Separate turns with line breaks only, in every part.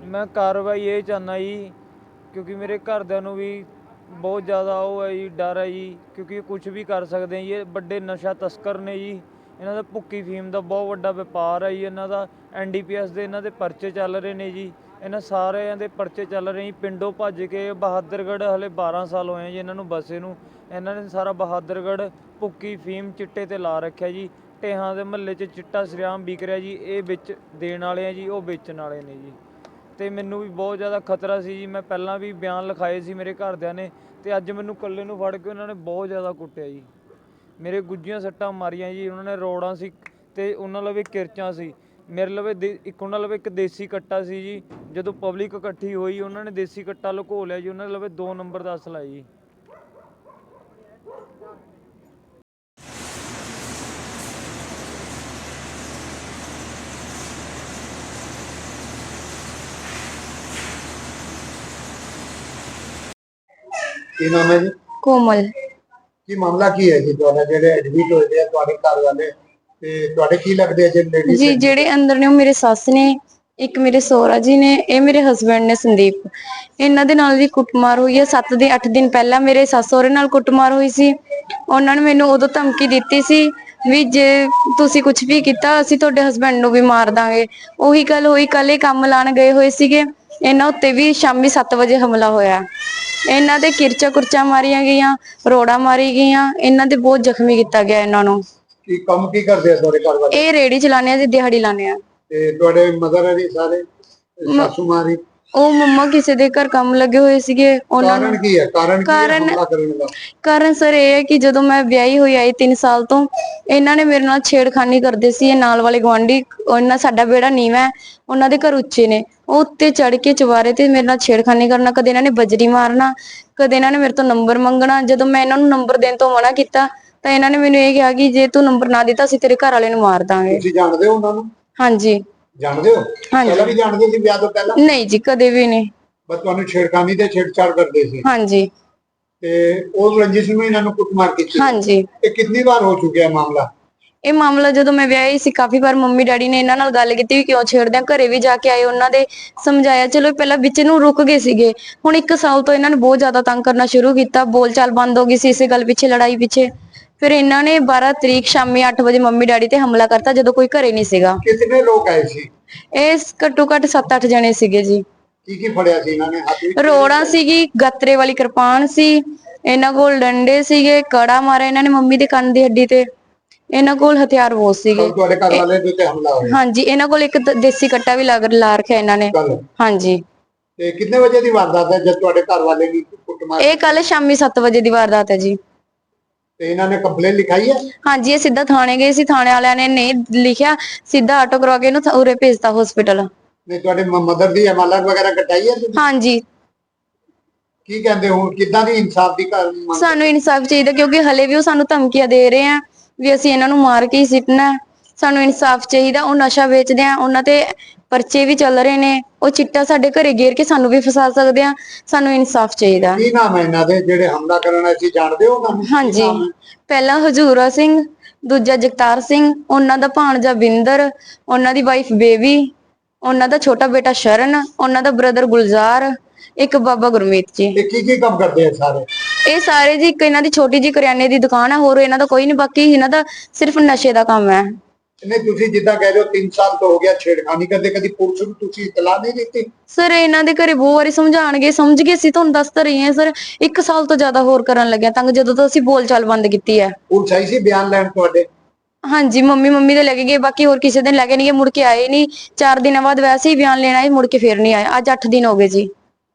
ਮੈਂ ਕਾਰਵਾਈ ਇਹ ਚਾਹੁੰਦਾ ਜੀ, ਕਿਉਂਕਿ ਮੇਰੇ ਘਰਦਿਆਂ ਨੂੰ ਵੀ ਬਹੁਤ ਜ਼ਿਆਦਾ ਉਹ ਹੈ ਜੀ, ਡਰ ਹੈ ਜੀ, ਕਿਉਂਕਿ ਕੁਝ ਵੀ ਕਰ ਸਕਦੇ ਆ ਜੀ। ਇਹ ਵੱਡੇ ਨਸ਼ਾ ਤਸਕਰ ਨੇ ਜੀ। ਇਹਨਾਂ ਦਾ ਭੁੱਕੀ ਫੀਮ ਦਾ ਬਹੁਤ ਵੱਡਾ ਵਪਾਰ ਹੈ ਜੀ। ਇਹਨਾਂ ਦਾ NDPS ਦੇ ਇਹਨਾਂ ਦੇ ਪਰਚੇ ਚੱਲ ਰਹੇ ਨੇ ਜੀ। ਇਹਨਾਂ ਸਾਰਿਆਂ ਦੇ ਪਰਚੇ ਚੱਲ ਰਹੇ ਜੀ। ਪਿੰਡੋਂ ਭੱਜ ਕੇ ਬਹਾਦਰਗੜ੍ਹ ਹਲੇ 12 ਸਾਲ ਹੋਏ ਜੀ ਇਹਨਾਂ ਨੂੰ ਬਸੇ ਨੂੰ। ਇਹਨਾਂ ਨੇ ਸਾਰਾ ਬਹਾਦਰਗੜ੍ਹ ਭੁੱਕੀ ਫੀਮ ਚਿੱਟੇ 'ਤੇ ਲਾ ਰੱਖਿਆ ਜੀ। ਢੇਹਾਂ ਦੇ ਮਹੱਲੇ 'ਚ ਚਿੱਟਾ ਸਰਿਆਮ ਵਿਕ ਰਿਹਾ ਜੀ। ਇਹ ਵਿੱਚ ਦੇਣ ਵਾਲੇ ਆ ਜੀ, ਉਹ ਵੇਚਣ ਵਾਲੇ ਨੇ ਜੀ। ਅਤੇ ਮੈਨੂੰ ਵੀ ਬਹੁਤ ਜ਼ਿਆਦਾ ਖਤਰਾ ਸੀ ਜੀ। ਮੈਂ ਪਹਿਲਾਂ ਵੀ ਬਿਆਨ ਲਿਖਾਏ ਸੀ ਮੇਰੇ ਘਰਦਿਆਂ ਨੇ, ਅਤੇ ਅੱਜ ਮੈਨੂੰ ਇਕੱਲੇ ਨੂੰ ਫੜ ਕੇ ਉਹਨਾਂ ਨੇ ਬਹੁਤ ਜ਼ਿਆਦਾ ਕੁੱਟਿਆ ਜੀ। ਮੇਰੇ ਗੁੱਝੀਆਂ ਸੱਟਾਂ ਮਾਰੀਆਂ ਜੀ। ਉਹਨਾਂ ਨੇ ਰੋੜਾਂ ਸੀ ਅਤੇ ਉਹਨਾਂ ਲਵੇ ਕਿਰਚਾਂ ਸੀ। ਮੇਰੇ ਲਵੇ ਉਹਨਾਂ ਲਵੇ ਇੱਕ ਦੇਸੀ ਕੱਟਾ ਸੀ ਜੀ। ਜਦੋਂ ਪਬਲਿਕ ਇਕੱਠੀ ਹੋਈ ਉਹਨਾਂ ਨੇ ਦੇਸੀ ਕੱਟਾ ਲੁਕੋ ਲਿਆ ਜੀ। ਉਹਨਾਂ ਦੇ ਲਵੇ 2 ਨੰਬਰ ਦਾ ਅਸਲਾ ਜੀ।
ਕੀ ਨਾਮ ਹੈ ਜੀ?
ਕੋਮਲ।
ਕੀ ਮਾਮਲਾ ਕੀ ਹੈ ਜੀ ਤੁਹਾਡਾ, ਜਿਹੜੇ ਐਡਮਿਟ ਹੋਏ ਆ ਤੁਹਾਡੇ ਘਰ ਵਾਲੇ, ਤੇ ਤੁਹਾਡੇ ਕੀ ਲੱਗਦੇ ਆ ਜਿਹੜੇ ਲੇਡੀਜ਼
ਜੀ ਜਿਹੜੇ ਅੰਦਰ ਨੇ ਉਹ ਮੇਰੇ ਸੱਸ ਨੇ, ਇੱਕ ਮੇਰੇ ਸਹੁਰਾ ਜੀ ਨੇ, ਇਹ ਮੇਰੇ ਹਸਬੈਂਡ ਨੇ ਸੰਦੀਪ। ਇਹਨਾਂ ਦੇ ਨਾਲ ਵੀ ਕੁੱਟਮਾਰ ਹੋਈ ਹੈ। 7 ਦੇ 8 ਦਿਨ ਪਹਿਲਾਂ ਮੇਰੇ ਸੱਸ ਸਹੁਰੇ ਨਾਲ ਕੁੱਟਮਾਰ ਹੋਈ ਸੀ। ਉਹਨਾਂ ਨੇ ਮੈਨੂੰ ਉਦੋਂ ਧਮਕੀ ਦਿੱਤੀ ਸੀ ਵੀ ਜੇ ਤੁਸੀਂ ਕੁਝ ਵੀ ਕੀਤਾ ਅਸੀਂ ਤੁਹਾਡੇ ਹਸਬੈਂਡ ਨੂੰ ਵੀ ਮਾਰ ਦਾਂਗੇ। ਉਹੀ ਗੱਲ ਹੋਈ, ਕੱਲ ਇਹ ਕੰਮ ਲਾਣ ਗਏ ਹੋਏ ਸੀਗੇ। ਇਹਨਾਂ ਉੱਤੇ ਵੀ ਸ਼ਾਮੀ 7 ਵਜੇ ਹਮਲਾ ਹੋਇਆ। ਇਹਨਾਂ ਦੇ ਕਿਰਚਾ ਕੁਰਚਾ ਮਾਰੀਆਂ ਗਈਆਂ, ਰੋੜਾ ਮਾਰੀ ਗਈਆਂ। ਇਹਨਾਂ ਦੇ ਬਹੁਤ ਜ਼ਖਮੀ ਕੀਤਾ ਗਿਆ ਇਹਨਾਂ ਨੂੰ।
ਕੀ ਕੰਮ ਕੀ ਕਰਦੇ ਆ ਤੁਹਾਡੇ ਘਰ ਵਾਲੇ?
ਇਹ ਰੇੜੀ ਚਲਾਉਂਦੇ ਆ ਜੀ, ਦਿਹਾੜੀ ਲਾਉਂਦੇ ਆ।
ਤੇ ਤੁਹਾਡੇ ਮਦਰ ਹੈ ਜੀ ਸਾਰੇ, ਸਾਸੂ ਮਾਰੀ?
ਉਹ ਮੰਮਾ ਕਿਸੇ ਦੇ ਘਰ ਕੰਮ ਲੱਗੇ ਹੋਏ ਸੀਗੇ। ਉਹਨਾਂ ਨੂੰ
ਕਾਰਨ ਕੀ ਹੈ? ਕਾਰਨ ਕੀ ਹੈ ਹਮਲਾ ਕਰਨ ਦਾ?
ਕਾਰਨ ਸਰ ਇਹ ਹੈ ਕਿ ਜਦੋਂ ਮੈਂ ਵਿਆਹੀ ਹੋਈ ਆਈ 3 ਸਾਲ ਤੋਂ, ਇਹਨਾਂ ਨੇ ਮੇਰੇ ਨਾਲ ਛੇੜਖਾਨੀ ਕਰਦੇ ਸੀ। ਇਹ ਨਾਲ ਵਾਲੇ ਗੁਆਂਢੀ, ਉਹਨਾਂ ਸਾਡਾ ਵਿਹੜਾ ਨੀਵਾਂ ਹੈ, ਉਹਨਾਂ ਦੇ ਘਰ ਉੱਚੇ ਨੇ। ਉਹ ਉੱਤੇ ਚੜ ਕੇ ਚੁਬਾਰੇ ਤੇ ਮੇਰੇ ਨਾਲ ਛੇੜਖਾਨੀ ਕਰਨਾ। ਕਦੇ ਇਹਨਾਂ ਨੇ ਬਜਰੀ ਮਾਰਨਾ, ਕਦੇ ਇਹਨਾਂ ਨੇ ਮੇਰੇ ਤੋਂ ਨੰਬਰ ਮੰਗਣਾ। ਜਦੋਂ ਮੈਂ ਇਹਨਾਂ ਨੂੰ ਨੰਬਰ ਦੇਣ ਤੋਂ ਮਨਾ ਕੀਤਾ ਤਾਂ ਇਹਨਾਂ ਨੇ ਮੈਨੂੰ ਇਹ ਕਿਹਾ ਕਿ ਜੇ ਤੂੰ ਨੰਬਰ ਨਾ ਦਿੱਤਾ ਅਸੀਂ ਤੇਰੇ ਘਰ ਵਾਲੇ ਨੂੰ ਮਾਰ ਦਾਂਗੇ।
ਤੁਸੀਂ ਜਾਣਦੇ ਹੋ ਉਹਨਾਂ ਨੂੰ?
ਹਾਂਜੀ।
ਜਾਣਦੇ ਹੋ? ਪਹਿਲਾਂ ਵੀ ਜਾਣਦੇ ਸੀ ਵਿਆਹ ਤੋਂ ਪਹਿਲਾਂ?
ਨਹੀਂ ਜੀ, ਕਦੇ ਵੀ ਨਹੀਂ।
ਬਸ ਤੁਹਾਨੂੰ ਛੇੜਖਾਨੀ ਤੇ ਛੇੜਛਾੜ ਕਰਦੇ ਸੀ?
ਹਾਂਜੀ।
ਤੇ ਉਹ ਰੰਜਿਸ਼ ਨੂੰ ਇਹਨਾਂ ਨੂੰ ਕੁੱਟਮਾਰ ਕੀਤੀ?
ਹਾਂਜੀ।
ਇਹ ਕਿੰਨੀ ਵਾਰ ਹੋ ਚੁੱਕਿਆ ਮਾਮਲਾ?
ਇਹ ਮਾਮਲਾ ਜਦੋਂ ਮੈਂ ਵਿਆਹੀ ਸੀ ਕਾਫੀ ਵਾਰ ਮੰਮੀ ਡੈਡੀ ਨੇ ਇਹਨਾਂ ਨਾਲ ਗੱਲ ਕੀਤੀ ਵੀ ਕਿਉਂ ਛੇੜਦੇ ਆ। ਘਰੇ ਵੀ ਜਾ ਕੇ ਆਏ, ਉਹਨਾਂ ਦੇ ਸਮਝਾਇਆ। ਚਲੋ ਪਹਿਲਾਂ ਵਿੱਚ ਨੂੰ ਰੁਕ ਗਏ ਸੀਗੇ। ਹੁਣ 1 ਸਾਲ ਤੋਂ ਇਹਨਾਂ ਨੇ ਬਹੁਤ ਜ਼ਿਆਦਾ ਤੰਗ ਕਰਨਾ ਸ਼ੁਰੂ ਕੀਤਾ। ਬੋਲਚਾਲ ਬੰਦ ਹੋ ਗਈ ਸੀ ਇਸੇ ਗੱਲ ਪਿੱਛੇ, ਲੜਾਈ ਪਿੱਛੇ। ਫਿਰ ਇਹਨਾਂ ਨੇ 12 ਤਰੀਕ ਸ਼ਾਮੀ 8 ਵਜੇ ਮੰਮੀ ਡੈਡੀ ਤੇ ਹਮਲਾ ਕਰਤਾ ਜਦੋਂ ਕੋਈ ਘਰੇ ਨਹੀਂ ਸੀਗਾ।
ਕਿੰਨੇ ਲੋਕ ਆਏ ਸੀ?
ਇਹ ਘੱਟੋ ਘੱਟ 7-8 ਜਣੇ ਸੀਗੇ ਜੀ।
ਕੀ ਕੀ ਫੜਿਆ ਸੀ ਇਹਨਾਂ ਨੇ ਹੱਥ ਵਿੱਚ?
ਰੋੜਾ ਸੀਗੀ, ਗਾਤਰੇ ਵਾਲੀ ਕਿਰਪਾਨ ਸੀ ਇਹਨਾਂ ਕੋਲ, ਡੰਡੇ ਸੀਗੇ, ਕੜਾ ਮਾਰਿਆ ਇਹਨਾਂ ਨੇ ਮੰਮੀ ਦੇ ਕੰਨ ਦੀ ਹੱਡੀ ਤੇ। ਇਹਨਾਂ ਕੋਲ ਹਥਿਆਰ ਬਹੁਤ ਸੀਗੇ।
ਤੁਹਾਡੇ ਘਰ ਵਾਲੇ ਦੇ ਉੱਤੇ ਹਮਲਾ ਹੋਇਆ?
ਹਾਂਜੀ। ਇਹਨਾਂ ਕੋਲ ਇੱਕ ਦੇਸੀ ਕੱਟਾ ਵੀ ਲਾ ਰੱਖਿਆ ਇਹਨਾਂ ਨੇ। ਹਾਂਜੀ।
ਤੇ ਕਿੰਨੇ ਵਜੇ ਦੀ ਵਾਰਦਾਤ ਹੈ ਜਦ ਤੁਹਾਡੇ ਘਰ ਵਾਲੇ ਦੀ ਕੁੱਟਮਾਰ?
ਇਹ ਕੱਲ ਸ਼ਾਮੀ 7 ਵਜੇ ਦੀ ਵਾਰਦਾਤ ਹੈ ਜੀ।
ਤੇ ਇਹਨਾਂ ਨੇ ਕੰਪਲੇਂਟ ਲਿਖਾਈ ਹੈ?
ਹਾਂਜੀ। ਇਹ ਸਿੱਧਾ ਥਾਣੇ ਗਏ ਸੀ, ਥਾਣੇ ਵਾਲਿਆਂ ਨੇ ਨਹੀਂ ਲਿਖਿਆ, ਸਿੱਧਾ ਆਟੋ ਕਰਵਾ ਕੇ ਇਹਨੂੰ ਉਰੇ ਭੇਜਤਾ ਹਸਪੀਟਲ।
ਨਹੀਂ ਤੁਹਾਡੇ ਮਦਰ ਦੀ ਅਮਾਨਤ ਵਗੈਰਾ ਕਟਾਈ ਹੈ ਤੁਸੀਂ?
ਹਾਂਜੀ।
ਕੀ ਕਹਿੰਦੇ ਹੋ, ਕਿੱਦਾਂ ਦੀ ਇਨਸਾਫ ਦੀ ਮੰਗ?
ਸਾਨੂੰ ਇਨਸਾਫ ਚਾਹੀਦਾ ਕਿਉਂਕਿ ਹਲੇ ਵੀ ਉਹ ਸਾਨੂੰ ਧਮਕੀਆਂ ਦੇ ਰਹੇ ਆ ਵੀ ਅਸੀਂ ਇਹਨਾਂ ਨੂੰ ਮਾਰ ਕੇ ਹੀ ਸਿੱਟਣਾ। ਸਾਨੂੰ ਇਨਸਾਫ ਚਾਹੀਦਾ। ਉਹ ਨਸ਼ਾ ਵੇਚਦੇ ਆ, ਉਹਨਾਂ ਤੇ ਪਰਚੇ ਵੀ ਚੱਲ ਰਹੇ ਨੇ। ਉਹ ਚਿੱਟਾ ਸਾਡੇ ਘਰੇ ਗੇਰ ਕੇ ਸਾਨੂੰ ਵੀ ਫਸਾ ਸਕਦੇ ਆ। ਸਾਨੂੰ ਇਨਸਾਫ ਚਾਹੀਦਾ।
ਕੀ ਨਾਮ ਹੈ ਇਹਨਾਂ ਦੇ ਜਿਹੜੇ ਹਮਲਾ ਕਰਨ ਆਏ ਸੀ, ਜਾਣਦੇ ਹੋ ਉਹਨਾਂ ਨੂੰ?
ਹਾਂਜੀ। ਪਹਿਲਾ ਹਜੂਰਾ ਸਿੰਘ, ਦੂਜਾ ਜਗਤਾਰ ਸਿੰਘ, ਉਹਨਾਂ ਦਾ ਭਾਣਜਾ ਬਿੰਦਰ, ਉਹਨਾਂ ਦੀ ਵਾਈਫ ਬੇਬੀ, ਉਹਨਾਂ ਦਾ ਛੋਟਾ ਬੇਟਾ ਸ਼ਰਨ, ਉਹਨਾਂ ਦਾ ਬ੍ਰਦਰ ਗੁਲਜ਼ਾਰ, ਇੱਕ ਬਾਬਾ ਗੁਰਮੀਤ ਜੀ।
ਤੇ ਕੀ ਕੀ ਕੰਮ ਕਰਦੇ ਆ ਸਾਰੇ?
ਇਹ ਸਾਰੇ ਜੀ, ਇੱਕ ਇਹਨਾਂ ਦੀ ਛੋਟੀ ਜੀ ਕਰਿਆਨੇ ਦੀ ਦੁਕਾਨ ਹੈ, ਹੋਰ ਇਹਨਾਂ ਦਾ ਕੋਈ ਨਹੀਂ। ਬਾਕੀ ਇਹਨਾਂ ਦਾ ਸਿਰਫ ਨਸ਼ੇ ਦਾ ਕੰਮ ਹੈ।
ਨਹੀਂ ਤੁਸੀਂ ਜਿੱਦਾਂ ਕਹਿ ਰਹੇ ਹੋ 3 ਸਾਲ ਤੋਂ ਹੋ ਗਿਆ ਛੇੜਖਾਨੀ ਕਰਦੇ, ਕਦੀ ਪੁਲਿਸ ਨੂੰ ਤੁਸੀਂ ਇਤਲਾਹ ਨਹੀਂ ਦਿੱਤੀ?
ਸਰ ਇਹਨਾਂ ਦੇ ਘਰੇ ਬਹੁਤ ਵਾਰੀ ਸਮਝਾਣਗੇ, ਸਮਝ ਗਏ ਸੀ, ਤੁਹਾਨੂੰ ਦੱਸ ਤਾਂ ਰਹੀ ਹਾਂ ਸਰ। 1 ਸਾਲ ਤੋਂ ਜ਼ਿਆਦਾ ਹੋਰ ਕਰਨ ਲੱਗਿਆ ਤੰਗ, ਜਦੋਂ ਤੋਂ ਅਸੀਂ ਬੋਲਚਾਲ ਬੰਦ ਕੀਤੀ ਹੈ।
ਪੁਲਿਸ ਆਈ ਸੀ ਬਿਆਨ ਲੈਣ ਤੁਹਾਡੇ?
ਹਾਂਜੀ। ਮੰਮੀ ਦੇ ਲੈ ਕੇ ਗਏ, ਬਾਕੀ ਹੋਰ ਕਿਸੇ ਦਿਨ ਲੈ ਕੇ ਨਹੀਂ ਗਏ। ਮੁੜ ਕੇ ਆਏ ਨਹੀਂ। 4 ਦਿਨਾਂ ਬਾਅਦ ਵੈਸੇ ਹੀ ਬਿਆਨ ਲੈਣ ਆਏ, ਮੁੜ ਕੇ ਫੇਰ ਨਹੀਂ ਆਏ। ਅੱਜ 8 ਦਿਨ ਹੋ ਗਏ ਜੀ।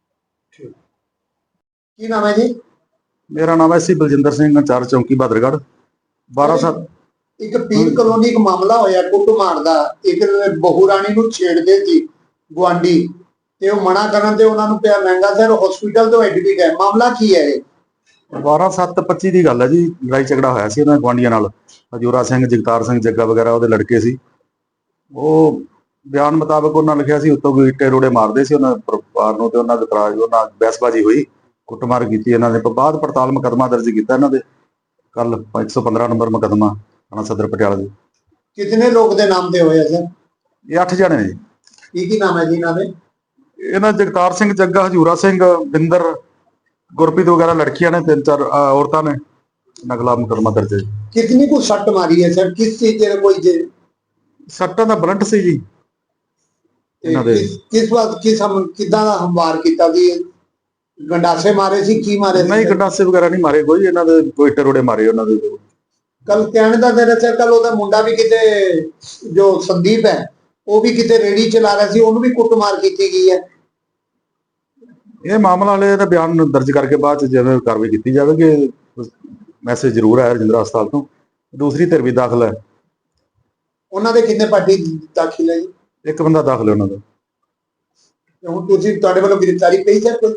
ਕੀ ਨਾਮ ਹੈ ਜੀ?
ਮੇਰਾ ਨਾਮ ਹੈ ਸੀ ਬਲਜਿੰਦਰ ਸਿੰਘ, ਚਾਰ ਚੌਂਕੀ ਬਹਾਦਰਗੜ੍ਹ। 12 ਸਾਲ
ਇੱਕ ਪੀਰ ਕਲੋਨੀ ਇੱਕ ਮਾਮਲਾ ਹੋਇਆ ਕੁੱਟਮਾਰ ਦਾ। ਇੱਕ ਬਹੂ ਰਾਣੀ ਨੂੰ ਛੇੜਦੇ ਸੀ ਗੁਆਂਢੀ, ਤੇ ਉਹ ਮਨਾ ਕਰਨ ਤੇ ਉਹਨਾਂ ਨੂੰ ਪਿਆ ਮਹਿੰਗਾ ਸਰ ਹਸਪੀਟਲ ਤੋਂ ਐਡਮਿਟ ਹੈ। ਮਾਮਲਾ ਕੀ ਹੈ ਇਹ?
12/7/25 ਦੀ ਗੱਲ ਹੈ ਜੀ। ਲੜਾਈ ਝਗੜਾ ਹੋਇਆ ਸੀ ਉਹਨਾਂ ਗੁਆਂਢੀਆਂ ਨਾਲ। ਹਜੂਰਾ ਸਿੰਘ, ਜਗਤਾਰ ਸਿੰਘ, ਜੱਗਾ ਵਗੈਰਾ ਉਹਦੇ ਲੜਕੇ ਸੀ। ਉਹ ਬਿਆਨ ਮੁਤਾਬਕ ਉਹਨਾਂ ਲਿਖਿਆ ਸੀ ਉੱਤੋਂ ਕੋਈ ਇੱਟੇ ਰੋੜੇ ਮਾਰਦੇ ਸੀ ਉਹਨਾਂ ਪਰਿਵਾਰ ਨੂੰ, ਤੇ ਉਹਨਾਂ ਦੇ ਇਤਰਾਜ਼, ਉਹਨਾਂ ਬਹਿਸਬਾਜ਼ੀ ਹੋਈ, ਕੁੱਟਮਾਰ ਕੀਤੀ ਇਹਨਾਂ ਨੇ। ਬਾਅਦ ਪੜਤਾਲ ਮੁਕੱਦਮਾ ਦਰਜ ਕੀਤਾ ਇਹਨਾਂ ਦੇ ਕੱਲ 115 ਨੰਬਰ ਮੁਕੱਦਮਾ ਥਾਣਾ ਸਦਰ ਪਟਿਆਲਾ ਦੇ।
ਕਿਤਨੇ ਲੋਕ ਦੇ ਨਾਮ ਤੇ ਹੋਇਆ ਸਰ?
ਇਹ 8 ਜਣੇ ਨੇ ਜੀ।
ਕੀ ਨਾਮ ਹੈ ਜੀ ਇਹਨਾਂ ਦੇ?
ਇਹਨਾਂ ਜਗਤਾਰ ਸਿੰਘ ਜੱਗਾ, ਹਜੂਰਾ ਸਿੰਘ, ਬਿੰਦਰ, ਗੁਰਪ੍ਰੀਤ ਵਗੈਰਾ ਲੜਕੀਆਂ ਨੇ, 3-4 ਔਰਤਾਂ ਨੇ ਨਕਲਾ ਮੁਕੱਦਮਾ ਦਰਜ ਹੈ।
कितनी को सट मारी है सर, किस चीज के कोई
ਸੱਟਾਂ ਦਾ ਬਲੰਟ ਸੀ ਜੀ ਇਹਨਾਂ ਦੇ।
किस बात किस हम किदा दा हमवार कीता जी, गंडासे मारे सी की मारे सी?
ਨਹੀਂ ਗੰਡਾਸੇ ਵਗੈਰਾ ਨਹੀਂ ਮਾਰੇ ਕੋਈ, ਇਹਨਾਂ ਦੇ ਕੋਈ ਟਰੋੜੇ ਮਾਰੇ ਉਹਨਾਂ ਦੇ।
कल कहने दा तेरा सर, कल ओदा मुंडा भी किते जो संदीप है वो भी किते रेडी चला रहा सी, ਉਹਨੂੰ ਵੀ ਕੁੱਟਮਾਰ ਕੀਤੀ ਗਈ ਹੈ।
ਇਹ ਮਾਮਲਾ ਵਾਲੇ ਦਾ ਬਿਆਨ ਦਰਜ ਕਰਕੇ ਬਾਅਦ ਚ ਜਿਵੇਂ ਕਾਰਵਾਈ ਕੀਤੀ ਜਾਵੇਗੀ। ਮੈਸੇਜ ਜ਼ਰੂਰ ਆਇਆ ਰਜਿੰਦਰਾ ਹਸਪਤਾਲ ਤੋਂ। ਦੂਸਰੀ ਧਿਰ ਵੀ ਦਾਖਲ ਹੈ।
ਉਹਨਾਂ ਦੇ ਕਿੰਨੇ ਪਾਰਟੀ ਦਾਖਲ ਹੈ ਜੀ?
ਇੱਕ ਬੰਦਾ ਦਾਖਲ ਹੈ ਉਹਨਾਂ ਦਾ।
ਹੁਣ ਤੁਸੀਂ ਤੁਹਾਡੇ ਵੱਲੋਂ ਗ੍ਰਿਫਤਾਰੀ ਪਈ ਸਰ ਕੋਈ?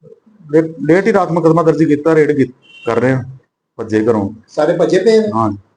ਲੇਟ ਹੀ ਰਾਤ ਮੁਕੱਦਮਾ ਦਰਜ ਕੀਤਾ, ਰੇਡ ਕਰ ਰਹੇ ਹਾਂ, ਭੱਜੇ ਘਰੋਂ।
ਸਾਰੇ ਭੱਜੇ ਪਏ ਨੇ?
ਹਾਂ।